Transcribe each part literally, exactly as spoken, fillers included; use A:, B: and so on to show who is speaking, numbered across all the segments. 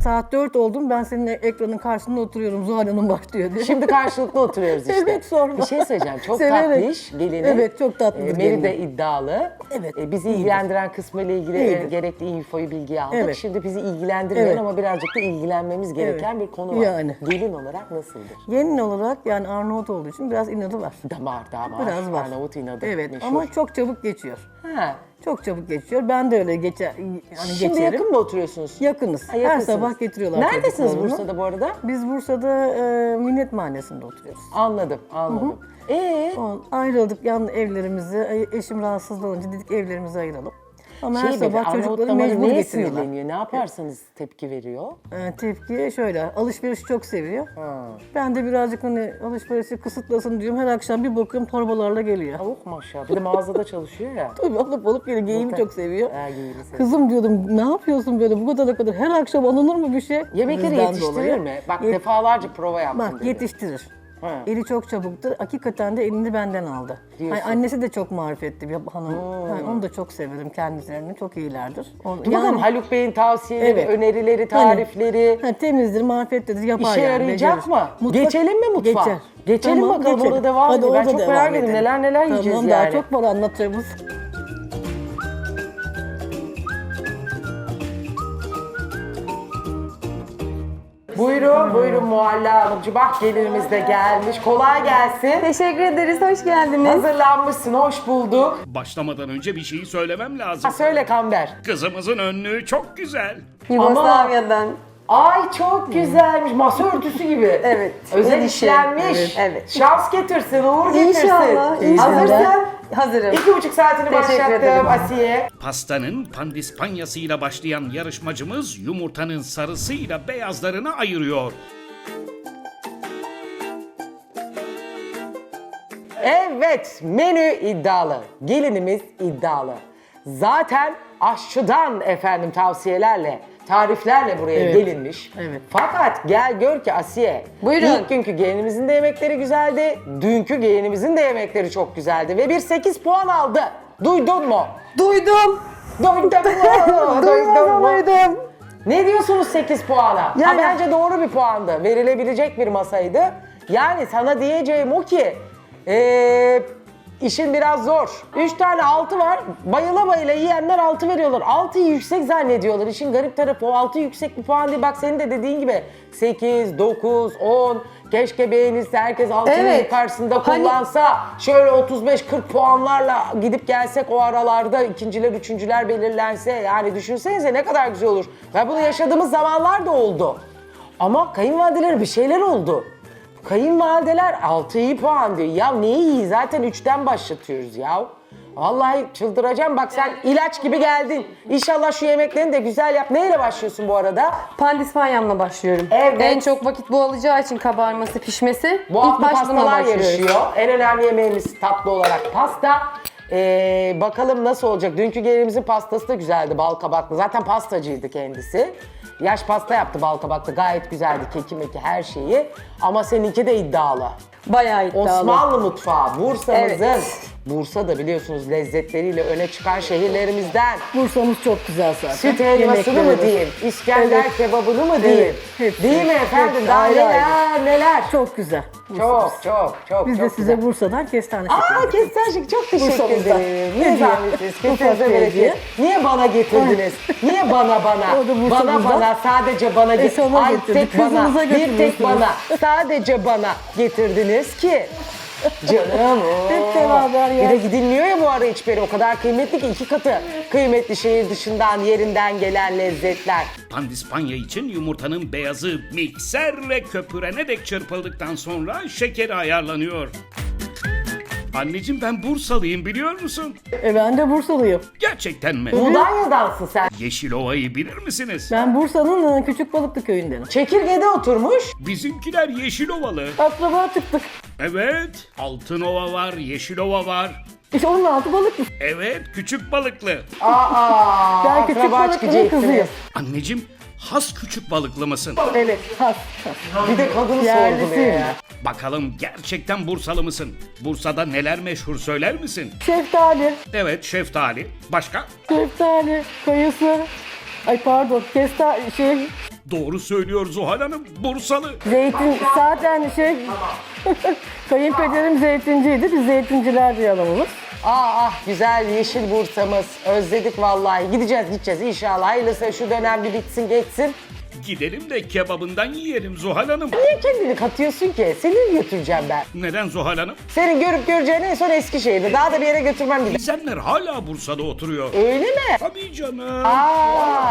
A: saat dört oldum, ben senin ekranın karşısında oturuyorum, Zuhal Hanım başlıyor diye.
B: Şimdi karşılıklı oturuyoruz işte.
A: Evet, sorma.
B: Bir şey söyleyeceğim. Çok
A: Severek.
B: tatlış gelinin.
A: Evet, çok tatlıdır
B: E, Meri
A: gelinin.
B: de iddialı.
A: Evet,
B: E, bizi
A: iyidir.
B: ilgilendiren kısmı ile ilgili e,
A: İyidir.
B: gerekli infoyu, bilgiyi aldık.
A: Evet.
B: Şimdi bizi ilgilendirmeyen
A: Evet.
B: ama birazcık da ilgilenmemiz gereken
A: Evet.
B: bir konu var.
A: Yani.
B: Gelin olarak nasıldır?
A: Gelin olarak yani Arnavut olduğu için biraz inadı var.
B: Damar, damar.
A: Biraz var.
B: Arnavut inadı.
A: Evet,
B: meşhur.
A: ama çok çabuk geçiyor.
B: Ha.
A: Çok çabuk geçiyor. Ben de öyle geçer, yani
B: Şimdi
A: geçerim.
B: yakın mı oturuyorsunuz?
A: Yakınız.
B: Ha,
A: Her
B: yakınsınız.
A: sabah getiriyorlar
B: Neredesiniz
A: çocuklarını.
B: Bursa'da bu arada?
A: Biz Bursa'da e, Minnet Mahallesi'nde oturuyoruz.
B: Anladım, anladım. Ee,
A: O, ayrıldık yan evlerimizi, e, eşim rahatsız olunca dedik evlerimizi ayıralım. Ama
B: şey
A: her sabah
B: Arnavut
A: çocukları
B: damarı
A: mecbur
B: neye
A: getiriyorlar.
B: sinirleniyor? Ne yaparsanız tepki veriyor?
A: E, tepki şöyle, alışverişi çok seviyor.
B: Ha.
A: Ben de birazcık hani alışverişi kısıtlasın diyorum. Her akşam bir bakıyorum torbalarla geliyor.
B: Tavuk maşallah. Bir de mağazada çalışıyor ya.
A: Tabii alıp alıp geliyor. Giyimi çok seviyor.
B: Ha, giyimi seviyor.
A: Kızım diyordum, ne yapıyorsun böyle bu kadar kadar? Her akşam alınır mı bir şey?
B: Yemekleri
A: Bizden
B: yetiştirir
A: dolayı.
B: mi? Bak
A: Yet-
B: defalarca prova yaptım
A: Bak
B: dedi.
A: yetiştirir.
B: Ha.
A: Eli çok çabuktur. Hakikaten de elini benden aldı.
B: Diyorsun.
A: Hani annesi de çok marifetli bir hanım. Yani onu da çok severim kendilerini. Çok iyilerdir. O-
B: Dur bakalım Haluk Bey'in tavsiyeleri,
A: Evet.
B: önerileri,
A: Hani-
B: tarifleri
A: Ha, temizdir, marifetlidir, yapar
B: işe
A: yani.
B: yarayacak
A: becerir.
B: mı?
A: Mutfak-
B: Geçelim mi mutfağa?
A: Geçer.
B: Geçelim
A: Tamam,
B: bakalım,
A: geçelim.
B: orada devam
A: Hadi
B: edelim. Ben
A: orada
B: çok
A: devam
B: merak ediyorum.
A: edelim.
B: Neler neler yiyeceğiz
A: tamam,
B: yani.
A: Daha çok var anlatacağımız.
B: Buyurun, buyurun Muhalla Hanımcığım. Bak gelinimiz de gelmiş. Kolay gelsin.
C: Teşekkür ederiz, hoş geldiniz.
B: Hazırlanmışsın, hoş bulduk.
D: Başlamadan önce bir şeyi söylemem lazım.
B: Ha, söyle Kamber.
D: Kızımızın önlüğü çok güzel.
C: Yugoslavya'dan.
B: Ay çok güzelmiş. Masa örtüsü gibi.
C: Evet.
B: Özel
C: El işi.
B: işlenmiş.
C: Evet, evet.
B: Şans getirsin, uğur getirsin.
C: İnşallah, inşallah.
B: Hazırsın.
C: Hazırım.
B: İki buçuk saatini
C: Teşekkür ederim.
B: başlattım Asiye.
D: Pastanın pandispanyasıyla başlayan yarışmacımız yumurtanın sarısıyla beyazlarını ayırıyor.
B: Evet, menü iddialı. Gelinimiz iddialı. Zaten aşçıdan efendim tavsiyelerle, tariflerle buraya
A: Evet.
B: gelinmiş.
A: Evet.
B: Fakat gel gör ki Asiye,
C: Buyurun.
B: ilk günkü gelinimizin de yemekleri güzeldi, dünkü gelinimizin de yemekleri çok güzeldi ve bir sekiz puan aldı. Duydun mu?
C: Duydum.
B: Duydun mu? Duydun mu?
C: Duydum.
B: Ne diyorsunuz sekiz puana? Ha,
C: Yani-
B: bence doğru bir puandı. Verilebilecek bir masaydı. Yani sana diyeceğim o ki ee, işin biraz zor. Üç tane altı var. Bayıla bayıla yiyenler altı veriyorlar. altıyı yüksek zannediyorlar. İşin garip tarafı o altı yüksek bir puan değil. Bak senin de dediğin gibi sekiz, dokuz, on. Keşke beğenilse herkes altının
C: Evet.
B: yukarısında
C: Hani-
B: kullansa. Şöyle otuz beş kırk puanlarla gidip gelsek o aralarda ikinciler, üçüncüler belirlense. Yani düşünsenize ne kadar güzel olur. Ve bunu yaşadığımız zamanlar da oldu. Ama kayınvalideler bir şeyler oldu. Kayınvalideler altı iyi puan diyor. Ya neyi iyi? Zaten üçten başlatıyoruz ya. Vallahi çıldıracağım. Bak sen ilaç gibi geldin. İnşallah şu yemeklerini de güzel yap. Neyle başlıyorsun bu arada?
C: Pandispanyamla başlıyorum.
B: Evet.
C: En çok vakit bu alacağı için kabarması, pişmesi.
B: Bu
C: İlk
B: hafta
C: baş bununla
B: pastalar
C: başlıyoruz.
B: yarışıyor. En önemli yemeğimiz tatlı olarak pasta. Ee, bakalım nasıl olacak? Dünkü gelinimizin pastası da güzeldi, bal kabaklı. Zaten pastacıydı kendisi. Yaş pasta yaptı bal kabaklı. Gayet güzeldi, keki meki her şeyi. Ama seninki de iddialı.
C: Bayağı iddialı.
B: Osmanlı mutfağı, Bursa'mızın.
C: Evet.
B: Bursa da biliyorsunuz lezzetleriyle öne çıkan şehirlerimizden.
A: Bursa'mız çok güzel zaten.
B: Süt helvasını mı
A: Yemekleri.
B: diyeyim, İskender
A: Evet.
B: kebabını mı diyeyim?
A: Evet, hepsi.
B: Değil mi efendim?
A: Hepsi
B: Daha
A: ayrı
B: neler
A: ayrı.
B: neler.
A: Çok güzel.
B: Çok
A: Bursa'mız.
B: çok çok
A: Biz
B: çok
A: de size
B: güzel.
A: Bursa'dan kestane şekeri.
B: Aa kestane şekeri çok teşekkür
A: Bursa'mızda.
B: ederim.
A: Ne
B: Ne
A: diye?
B: zahmetiniz.
A: Ufak
B: Kesinize
A: bir
B: bereket.
A: hediye.
B: Niye bana getirdiniz? Niye bana bana?
A: O da
B: Bana
A: Bursa'mızda.
B: bana sadece bana
A: E,
B: getirdiniz.
A: sana
B: Ay
A: getirdik.
B: tek bana.
A: Kızınıza
B: Bir tek
A: götürüyorsunuz.
B: bana. Sadece bana getirdiniz ki. Canım o.
A: Hep beraber ya.
B: Bir de gidilmiyor ya bu ara hiçbiri. O kadar kıymetli ki iki katı. Kıymetli şehir dışından yerinden gelen lezzetler.
D: Pandispanya için yumurtanın beyazı mikser ve köpürene dek çırpıldıktan sonra şekeri ayarlanıyor. Anneciğim ben Bursalıyım biliyor musun?
A: E ben de Bursalıyım.
D: Gerçekten mi?
B: Mudanya'dansın sen.
D: Yeşilova'yı bilir misiniz?
A: Ben Bursa'nın e, Küçükbalıklı köyündenim.
B: Çekirgede oturmuş.
D: Bizimkiler Yeşilovalı.
A: Akraba çıktık.
D: Evet, Altınova var, Yeşilova var.
A: İşte onun altı balıklı.
D: Evet, küçük balıklı.
B: Aa,
A: Ben küçük
B: akraba
A: balıklının
B: çıkacaksınız.
A: kızıyım.
D: Anneciğim, has küçük balıklı mısın?
A: Evet, has. has.
B: Bir de kadını
A: Yerlisiyim.
B: sorguluyor ya.
D: Bakalım gerçekten Bursalı mısın? Bursa'da neler meşhur söyler misin?
A: Şeftali,
D: Evet, şeftali. Başka?
A: şeftali, kayısı. Ay pardon, kesta şey,
D: Doğru söylüyor Zuhal Hanım. Bursalı.
A: Zeytin zaten şey kayınpederim zeytinciydi. Biz zeytinciler diye adamımız.
B: Ah ah güzel yeşil Bursa'mız. Özledik vallahi. Gideceğiz gideceğiz inşallah. Hayırlısı şu dönem bir bitsin geçsin.
D: Gidelim de kebabından yiyelim Zuhal Hanım.
B: Niye kendini katıyorsun ki? Seni götüreceğim ben.
D: Neden Zuhal Hanım?
B: Senin görüp göreceğin en son Eskişehir'de. Daha da bir yere götürmem bir de.
D: Gizenler hala Bursa'da oturuyor.
B: Öyle mi?
D: Tabii canım.
B: Aa.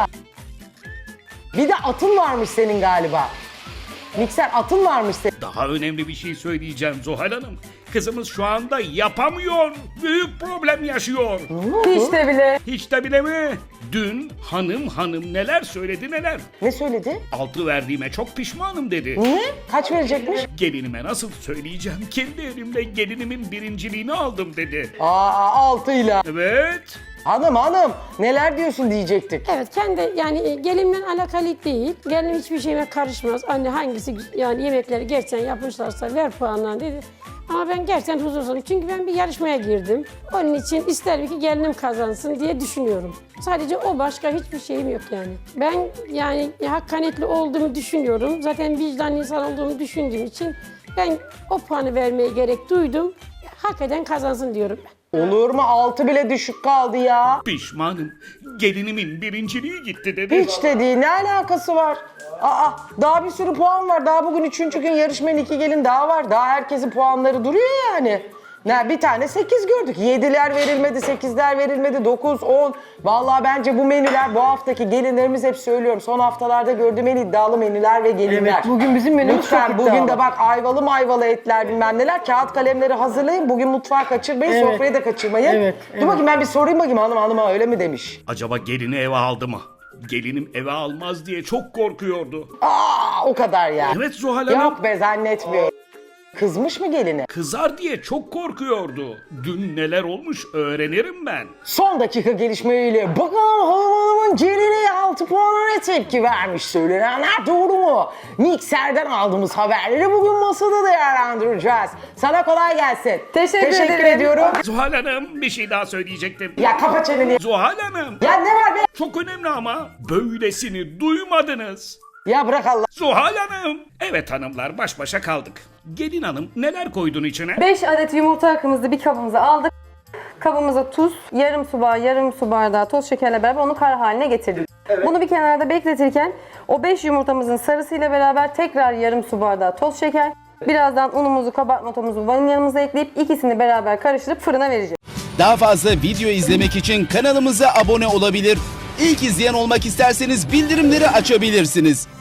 B: Bir de atın varmış senin galiba. Mikser atın varmış senin.
D: Daha önemli bir şey söyleyeceğim Zuhal Hanım. Kızımız şu anda yapamıyor. Büyük problem yaşıyor.
C: Hiç de bile.
D: Hiç de bile mi? Dün hanım hanım neler söyledi neler.
B: Ne söyledi?
D: Altı verdiğime çok pişmanım dedi.
B: Niye? Kaç verecekmiş?
D: Gelinime nasıl söyleyeceğim? Kendi elimle gelinimin birinciliğini aldım dedi.
B: Aa altıyla.
D: Evet.
B: Hanım hanım neler diyorsun diyecektik.
E: Evet kendi yani e, gelinimle alakalı değil. Gelinim hiçbir şeyime karışmaz. Anne hangisi gü- yani yemekleri gerçekten yapmışlarsa ver puanlarını dedi. Ama ben gerçekten huzursuzum. Çünkü ben bir yarışmaya girdim. Onun için isterim ki gelinim kazansın diye düşünüyorum. Sadece o, başka hiçbir şeyim yok yani. Ben yani hakkaniyetli olduğumu düşünüyorum. Zaten vicdanlı insan olduğumu düşündüğüm için ben o puanı vermeye gerek duydum. Hak eden kazansın diyorum ben.
B: Olur mu? Altı bile düşük kaldı ya.
D: Pişmanım. Gelinimin birinciliği gitti dedi.
B: Hiç de değil. Ne alakası var? Aa, daha bir sürü puan var. Daha bugün üçüncü gün yarışmanın iki gelin daha var. Daha herkesin puanları duruyor yani. Ne, bir tane sekiz gördük. Yediler verilmedi, sekizler verilmedi, dokuz, on. Vallahi bence bu menüler, bu haftaki gelinlerimiz hep söylüyorum. Son haftalarda gördüğüm en iddialı menüler ve gelinler.
A: Evet, bugün bizim menümüz
B: Lütfen
A: çok
B: bugün
A: iddialı.
B: de bak ayvalı mayvalı etler bilmem neler. Kağıt kalemleri hazırlayın. Bugün mutfağı kaçırmayın,
A: Evet.
B: sofrayı da kaçırmayın.
A: Evet,
B: Dur
A: evet.
B: bakayım ben bir sorayım bakayım hanım hanıma öyle mi demiş.
D: Acaba gelini eve aldı mı? Gelinim eve almaz diye çok korkuyordu.
B: Aa o kadar ya.
D: Evet Zuhal Hanım.
B: Yok be zannetmiyorum. Kızmış mı gelini?
D: Kızar diye çok korkuyordu. Dün neler olmuş öğrenirim ben.
B: Son dakika gelişmeyle bakalım hanım hanımın gelini altı puana ne tepki vermiş söylenenler doğru mu? Mikser'den aldığımız haberleri bugün masada değerlendireceğiz. Sana kolay gelsin.
C: Teşekkür ederim.
B: ediyorum.
D: Zuhal Hanım bir şey daha söyleyecektim.
B: Ya kapa çeneni.
D: Zuhal Hanım
B: Ya ne var be?
D: çok önemli ama böylesini duymadınız.
B: Ya bırak Allah.
D: Zuhal Hanım. Evet hanımlar baş başa kaldık. Gelin hanım neler koydun içine?
C: beş adet yumurta akımızı bir kabımıza aldık. Kabımıza tuz, yarım su bardağı, yarım su bardağı toz şekerle beraber onu kar haline getirdik. Bunu bir kenarda bekletirken o beş yumurtamızın sarısıyla beraber tekrar yarım su bardağı toz şeker, birazdan unumuzu, kabartma tozumuzu, vanilyamızı ekleyip ikisini beraber karıştırıp fırına vereceğiz.
F: Daha fazla video izlemek için kanalımıza abone olabilir. İlk izleyen olmak isterseniz bildirimleri açabilirsiniz.